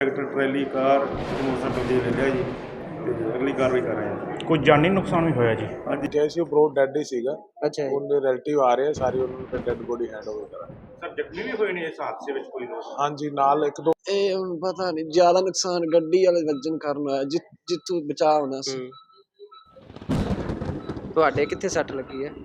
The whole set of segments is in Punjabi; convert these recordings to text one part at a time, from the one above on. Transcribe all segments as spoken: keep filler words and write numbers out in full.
ट्रैक्टर ट्रैली कार मोटरसाइकिल कब्जे ले लिया जी ਤੇ ਅਗਲੀ ਕਾਰਵਾਈ ਕਰ ਰਹੇ ਹਾਂ। ਕੋਈ ਜਾਨੀ ਨੁਕਸਾਨ ਵੀ ਹੋਇਆ ਜੀ? ਅੱਜ ਕਿਹਾ ਸੀ ਉਹ ਬਰੋ ਡੈਡ ਹੀ ਸੀਗਾ। ਅੱਛਾ ਜੀ। ਉਹਦੇ ਰਿਲੇਟਿਵ ਆ ਰਹੇ ਆ, ਸਾਰੀ ਉਹਨਾਂ ਨੂੰ ਫਿਰ ਡੈਡ ਬੋਡੀ ਹੈਂਡ ਓਵਰ ਕਰਾਂਗੇ। ਸਰ ਜ਼ਖਮੀ ਵੀ ਹੋਏ ਨੇ ਇਸ ਹਾਦਸੇ ਵਿੱਚ ਕੋਈ ਲੋਕ? ਹਾਂਜੀ, ਨਾਲ ਇੱਕ ਦੋ ਇਹ ਹੁਣ ਪਤਾ ਨਹੀਂ, ਜ਼ਿਆਦਾ ਨੁਕਸਾਨ ਗੱਡੀ ਵਾਲੇ ਵੱਜਣ ਕਾਰਨ ਹੋਇਆ, ਜਿ ਜਿੱਥੋਂ ਬਚਾਅ ਹੋਣਾ ਸੀ। ਤੁਹਾਡੇ ਕਿੱਥੇ ਸੱਟ ਲੱਗੀ ਹੈ?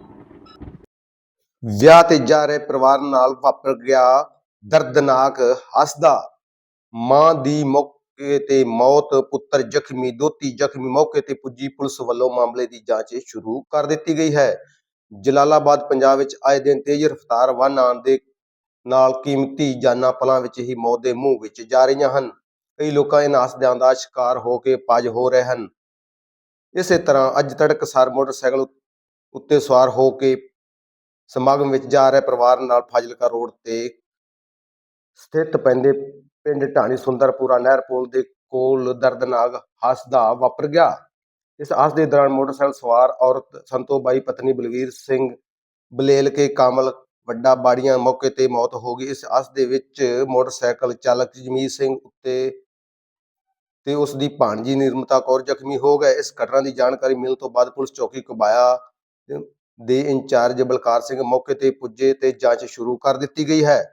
ਵਿਆਹ ਤੇ ਜਾ ਰਹੇ ਪਰਿਵਾਰ ਨਾਲ ਵਾਪਰ ਗਿਆ ਦਰਦਨਾਕ ਹਾਦਸਾ। ਮਾਂ ਦੀ ਮੌਕੇ ਤੇ ਮੌਤ, ਪੁੱਤਰ ਜ਼ਖਮੀ, ਦੋਤੀ ਜ਼ਖਮੀ। ਮੌਕੇ ਤੇ ਪੁੱਜੀ ਪੁਲਿਸ ਵੱਲੋਂ ਮਾਮਲੇ ਦੀ ਜਾਂਚ ਸ਼ੁਰੂ ਕਰ ਦਿੱਤੀ ਗਈ ਹੈ। ਜਲਾਲਾਬਾਦ ਪੰਜਾਬ ਵਿੱਚ ਆਏ ਦਿਨ ਤੇਜ਼ ਰਫ਼ਤਾਰ ਵਾਹਨ ਆਉਣ ਦੇ ਨਾਲ ਕੀਮਤੀ ਜਾਨਾਂ ਪਲਾਂ ਵਿੱਚ ਹੀ ਮੌਤ ਦੇ ਮੂੰਹ ਵਿੱਚ ਜਾ ਰਹੀਆਂ ਹਨ। ਕਈ ਲੋਕਾਂ ਇਹਨਾਂ ਹਾਦਸਿਆਂ ਦਾ ਸ਼ਿਕਾਰ ਹੋ ਕੇ ਪਜ ਹੋ ਰਹੇ ਹਨ। ਇਸੇ ਤਰ੍ਹਾਂ ਅੱਜ ਤੜਕਸਾਰ ਮੋਟਰਸਾਈਕਲ ਉੱਤੇ ਸਵਾਰ ਹੋ ਕੇ ਸਮਾਗਮ ਵਿੱਚ ਜਾ ਰਹੇ ਪਰਿਵਾਰ ਨਾਲ ਫਾਜ਼ਿਲਕਾ ਰੋਡ ਤੇ ਸਥਿਤ ਪੈਂਦੇ ਪਿੰਡ ਢਾਣੀ ਸੁੰਦਰਪੁਰਾ ਨਹਿਰ ਪੁਲ ਦੇ ਕੋਲ ਦਰਦਨਾਕ ਹਾਦਸਾ ਵਾਪਰ ਗਿਆ। ਇਸ ਹਾਦਸੇ ਦੌਰਾਨ ਮੋਟਰਸਾਈਕਲ ਸਵਾਰ ਔਰਤ ਸੰਤੋ ਬਾਈ ਪਤਨੀ ਬਲਵੀਰ ਸਿੰਘ ਬਲੇਲ ਕੇ ਕਾਮਲ ਵੱਡਾ ਬਾੜੀਆਂ ਮੌਕੇ ਤੇ ਮੌਤ ਹੋ ਗਈ। ਇਸ ਹਾਦਸੇ ਵਿੱਚ ਮੋਟਰਸਾਈਕਲ ਚਾਲਕ ਜਮੀਤ ਸਿੰਘ ਉੱਤੇ ਤੇ ਉਸ ਦੀ ਭਾਣਜੀ ਨਿਰਮਤਾ ਕੌਰ ਜ਼ਖਮੀ ਹੋ ਗਏ। ਇਸ ਘਟਨਾ ਦੀ ਜਾਣਕਾਰੀ ਮਿਲਣ ਤੋਂ ਬਾਅਦ ਪੁਲਿਸ ਚੌਕੀ ਘੁਬਾਇਆ ਦੇ ਇੰਚਾਰਜ ਬਲਕਾਰ ਸਿੰਘ ਮੌਕੇ ਤੇ ਪੁੱਜੇ ਤੇ ਜਾਂਚ ਸ਼ੁਰੂ ਕਰ ਦਿੱਤੀ ਗਈ ਹੈ।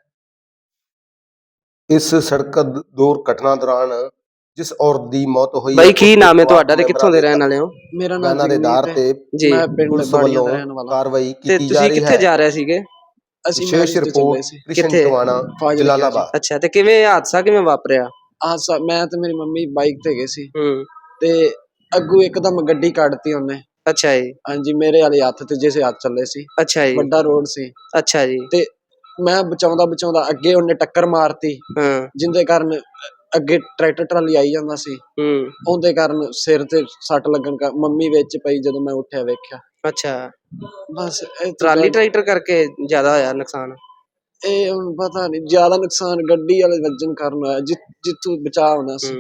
ਇਸ ਸੜਕ ਦੁਰਘਟਨਾ ਦੌਰਾਨ ਜਿਸ ਔਰਤ ਦੀ ਮੌਤ ਹੋਈ, ਬਾਈ ਕੀ ਨਾਮ ਹੈ ਤੁਹਾਡਾ ਤੇ ਕਿੱਥੋਂ ਦੇ ਰਹਿਣ ਵਾਲੇ ਹੋ? ਮੇਰਾ ਨਾਮ ਬਿਆਨਾਂ ਦੇ ਆਧਾਰ ਤੇ ਜੀ ਮੈਂ ਪਿੰਡ ਪੁਲਿਸ ਬਾੜੀਆਂ ਵੱਲੋਂ ਦਾ ਰਹਿਣ ਵਾਲਾ ਕਾਰਵਾਈ ਤੇ ਕੀਤੀ ਜਾ ਤੁਸੀਂ ਰਹੀ ਕਿੱਥੇ ਹੈ। ਜਾ ਰਹੇ ਸੀਗੇ? ਅਸੀਂ ਵਿਸ਼ੇਸ਼ ਰਿਪੋਰਟ ਕ੍ਰਿਸ਼ਨ ਕਿੱਥੇ? ਟਵਾਣਾ ਫਾਜ਼ਿਲਕਾ ਜਲਾਲਾਬਾਦ। ਅੱਛਾ, ਤੇ ਕਿਵੇਂ ਇਹ ਹਾਦਸਾ ਕਿਵੇਂ ਵਾਪਰਿਆ? ਹਾਦਸਾ ਮੈਂ ਤੇ ਮੇਰੀ ਮੰਮੀ ਬਾਈਕ ਤੇ ਗਏ ਸੀ ਹੂੰ ਤੇ ਅੱਗੋਂ ਇੱਕਦਮ ਗੱਡੀ ਕੱਢਤੀ ਉਹਨੇ। ਅੱਛਾ ਜੀ। ਹਾਂਜੀ, ਮੇਰੇ ਵਾਲੇ ਹੱਥ ਤੇ ਜਿਸੇ ਹੱਥ ਚੱਲੇ ਸੀ। ਅੱਛਾ ਜੀ। ਵੱਡਾ ਰੋਡ ਸੀ। ਅੱਛਾ ਜੀ। ਤੇ ਮੈਂ ਬਚਾਉਂਦਾ ਬਚਾਉਂਦਾ ਅੱਗੇ ਉਹਨੇ ਟੱਕਰ ਮਾਰਤੀ, ਜਿੰਦੇ ਕਾਰਨ ਅੱਗੇ ਟਰੈਕਟਰ ਟਰਾਲੀ ਆਈ ਜਾਂਦਾ ਸੀ। ਉਹਦੇ ਕਾਰਨ ਸਿਰ ਤੇ ਸੱਟ ਲੱਗਣ ਕਰ ਮੰਮੀ ਵਿੱਚ ਪਈ, ਜਦੋਂ ਮੈਂ ਉੱਠਿਆ ਵੇਖਿਆ। ਅੱਛਾ, ਬਸ ਟਰਾਲੀ ਟਰੈਕਟਰ ਕਰਕੇ ਜ਼ਿਆਦਾ ਹੋਇਆ ਨੁਕਸਾਨ? ਇਹ ਹੁਣ ਪਤਾ ਨਹੀਂ, ਜ਼ਿਆਦਾ ਨੁਕਸਾਨ ਗੱਡੀ ਵਾਲੇ ਵੱਜਣ ਕਾਰਨ ਹੋਇਆ, ਜਿ ਜਿੱਥੋਂ ਬਚਾਅ ਹੋਣਾ ਸੀ।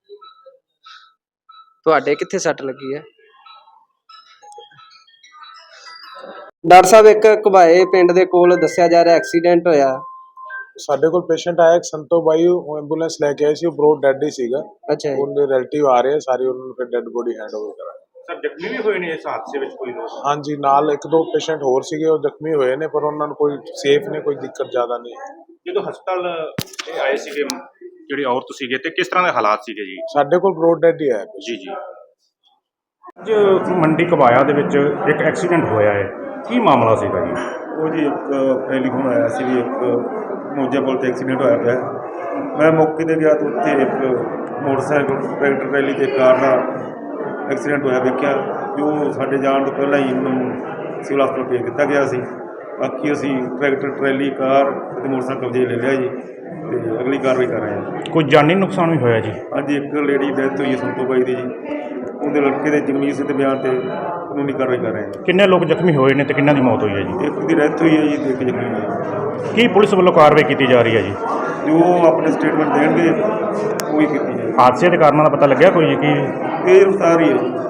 ਤੁਹਾਡੇ ਕਿੱਥੇ ਸੱਟ ਲੱਗੀ ਹੈ? ਡਾਕਟਰ ਸਾਹਿਬ, ਇੱਕ ਘੁਬਾਏ ਪਿੰਡ ਦੇ ਕੋਲ ਦੱਸਿਆ ਜਾ ਰਿਹਾ ਐਕਸੀਡੈਂਟ ਹੋਇਆ। ਸਾਡੇ ਕੋਲ ਪੇਸ਼ੈਂਟ ਆਇਆ, ਇੱਕ ਸੰਤੋ ਬਾਈ, ਉਹ ਐਂਬੂਲੈਂਸ ਲੈ ਕੇ ਆਏ ਸੀ, ਉਹ ਬਰੋ ਡੈਡ ਹੀ ਸੀਗਾ। ਅੱਛਾ ਜੀ। ਉਹਦੇ ਰਿਲੇਟਿਵ ਆ ਰਹੇ ਆ, ਸਾਰੀ ਉਹਨਾਂ ਨੂੰ ਫਿਰ ਡੈਡ ਬੋਡੀ ਹੈਂਡ ਓਵਰ ਕਰਾਂਗੇ। ਸਰ ਜ਼ਖਮੀ ਵੀ ਹੋਏ ਨੇ ਇਸ ਹਾਦਸੇ ਵਿੱਚ ਕੋਈ ਲੋਕ? ਹਾਂਜੀ, ਨਾਲ ਇੱਕ ਦੋ ਪੇਸ਼ੈਂਟ ਹੋਰ ਸੀਗੇ, ਉਹ ਜ਼ਖਮੀ ਹੋਏ ਨੇ, ਪਰ ਉਹਨਾਂ ਨੂੰ ਕੋਈ ਸੇਫ ਨੇ, ਕੋਈ ਦਿੱਕਤ ਜ਼ਿਆਦਾ ਨਹੀਂ। ਜਦੋਂ ਹਸਪਤਾਲ ਇਹ ਆਏ ਸੀਗੇ ਜਿਹੜੇ ਔਰਤ ਸੀਗੇ, ਤੇ ਕਿਸ ਤਰ੍ਹਾਂ ਦੇ ਹਾਲਾਤ ਸੀਗੇ ਜੀ? ਸਾਡੇ ਕੋਲ ਬਰੋ ਡੈਡ ਹੀ ਆਇਆ ਜੀ ਜੀ। ਅੱਜ ਮੰਡੀ ਘੁਬਾਇਆ ਦੇ ਵਿੱਚ ਇੱਕ ਐਕਸੀਡੈਂਟ ਹੋਇਆ ਹੈ, ਕੀ ਮਾਮਲਾ ਸੀਗਾ ਜੀ? ਉਹ ਜੀ ਇੱਕ ਟੈਲੀਫੋਨ ਆਇਆ ਸੀ ਵੀ ਇੱਕ ਮੋਜਾ ਪੁਲ ਤੇ ਐਕਸੀਡੈਂਟ ਹੋਇਆ ਪਿਆ। ਮੈਂ ਮੌਕੇ 'ਤੇ ਗਿਆ ਤਾਂ ਉੱਥੇ ਇੱਕ ਮੋਟਰਸਾਈਕਲ ਟਰੈਕਟਰ ਟਰੈਲੀ ਤੇ ਕਾਰ ਦਾ ਐਕਸੀਡੈਂਟ ਹੋਇਆ ਵੇਖਿਆ, ਕਿ ਉਹ ਸਾਡੇ ਜਾਣ ਤੋਂ ਪਹਿਲਾਂ ਹੀ ਉਹਨੂੰ ਸਿਵਲ ਹਸਪਤਾਲ ਭੇਜ ਦਿੱਤਾ ਗਿਆ ਸੀ। ਬਾਕੀ ਅਸੀਂ ਟਰੈਕਟਰ ਟਰੈਲੀ ਕਾਰ ਅਤੇ ਮੋਟਰਸਾਈਕਲ ਕਬਜ਼ੇ ਲੈ ਲਿਆ ਜੀ, ਤੇ ਅਗਲੀ ਕਾਰਵਾਈ ਕਰ ਰਹੇ ਹਾਂ। ਕੋਈ ਜਾਨੀ ਨੁਕਸਾਨ ਵੀ ਹੋਇਆ ਜੀ? ਅੱਜ ਇੱਕ ਲੇਡੀ ਡੈਥ ਹੋਈ ਹੈ ਸੰਤੋ ਬਾਈ ਦੀ ਜੀ, ਉਹਦੇ ਲੜਕੇ ਦੇ ਜਗਮੀਤ ਸਿੰਘ ਦੇ ਬਿਆਨ ਤੇ ਕਾਨੂੰਨੀ ਕਾਰਵਾਈ ਕਰ ਰਹੇ ਹਾਂ। ਕਿੰਨੇ ਲੋਕ ਜ਼ਖਮੀ ਹੋਏ ਨੇ ਤੇ ਕਿੰਨਾਂ ਦੀ ਮੌਤ ਹੋਈ ਹੈ ਜੀ? ਇੱਕ ਦੀ ਡੈਥ ਹੋਈ ਹੈ ਜੀ, ਤੇ ਇੱਕ ਜ਼ਖਮੀ ਹੋਈ ਹੈ। ਕੀ ਪੁਲਿਸ ਵੱਲੋਂ ਕਾਰਵਾਈ ਕੀਤੀ ਜਾ ਰਹੀ ਹੈ ਜੀ? ਜੋ ਆਪਣੇ ਸਟੇਟਮੈਂਟ ਦੇਣਗੇ ਉਹ ਹੀ ਕੀਤੀ ਜਾਏਗੀ। ਹਾਦਸੇ ਦੇ ਕਾਰਨਾਂ ਦਾ ਪਤਾ ਲੱਗਿਆ ਕੋਈ ਜੀ? ਕੀ ਤੇਜ਼ ਰਫ਼ਤਾਰ ਹੀ ਹੈ ਜੀ।